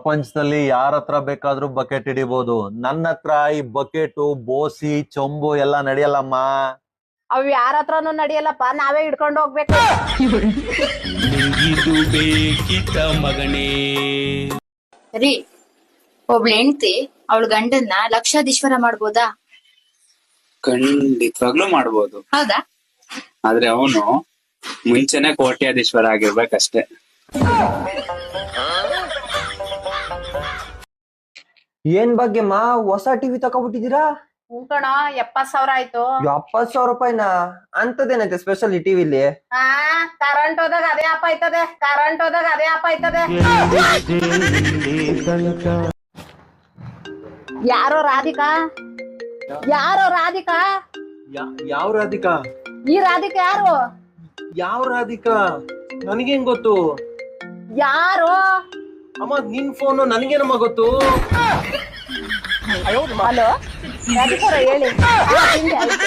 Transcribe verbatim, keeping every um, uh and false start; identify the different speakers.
Speaker 1: ಪ್ರಪಂಚದಲ್ಲಿ ಯಾರ ಹತ್ರ ಬೇಕಾದ್ರೂ ಬಕೆಟ್ ಹಿಡಿಬಹುದು. ನನ್ನ ಹತ್ರ ಈ ಬಕೆಟು ಬೋಸಿ ಚೊಂಬು ಎಲ್ಲ ನಡೆಯಲ್ಲಮ್ಮ.
Speaker 2: ಅವ್ ಯಾರ ಹತ್ರನು ನಡಿಯಲ್ಲಪ್ಪ, ನಾವೇ ಹಿಡ್ಕೊಂಡು ಹೋಗ್ಬೇಕು.
Speaker 3: ನಿಂಗಿದು ಬೇಕಿತ್ತ ಮಗನೇ.
Speaker 4: ರೀ, ಒಬ್ಳ ಹೆಂಡತಿ ಅವಳ ಗಂಡನ್ನ ಲಕ್ಷಾಧೀಶ್ವರ ಮಾಡ್ಬೋದಾ?
Speaker 5: ಖಂಡಿತವಾಗ್ಲೂ ಮಾಡ್ಬೋದು.
Speaker 4: ಹೌದಾ?
Speaker 5: ಆದ್ರೆ ಅವನು ಮುಂಚೆನೆ ಕೋಟ್ಯಾಧೀಶ್ವರ ಆಗಿರ್ಬೇಕಷ್ಟೇ.
Speaker 6: ಏನ್ ಭಾಗ್ಯಮ್ಮ ಹೊಸ ಟಿವಿ ತಕೊಬಿಟ್ಟಿದೀರಾ?
Speaker 2: ಕಣ ಎಪ್ಪತ್ ಸಾವಿರ ಆಯ್ತು.
Speaker 6: ಎಪ್ಪತ್ ಸಾವಿರ ರೂಪಾಯಿನ? ಅಂತದೇನೈತೆ ಸ್ಪೆಷಲ್ ಈ ಟಿವಿಲಿ?
Speaker 2: ಆ ಕರೆಂಟ್ ಹೋದಾಗ ಅದೇ ಆಪ್ ಆಯ್ತದೆ, ಕರೆಂಟ್ ಹೋದಾಗ ಅದೇ ಆಪ್ ಆಯ್ತದೆ. ಯಾರೋ ರಾಧಿಕಾ, ಯಾರೋ ರಾಧಿಕಾ,
Speaker 1: ಯಾವ ರಾಧಿಕಾ?
Speaker 2: ಈ ರಾಧಿಕಾ ಯಾರು?
Speaker 1: ಯಾವ ರಾಧಿಕಾ? ನನಗೇನ್ ಗೊತ್ತು?
Speaker 2: ಯಾರು?
Speaker 1: ಅಮ್ಮ ನಿನ್ ಫೋನು ನನಗೇನಮ್ಮ ಗೊತ್ತು?
Speaker 2: ಹಲೋ ರಾಧಿಕಾ ಹೇಳಿ.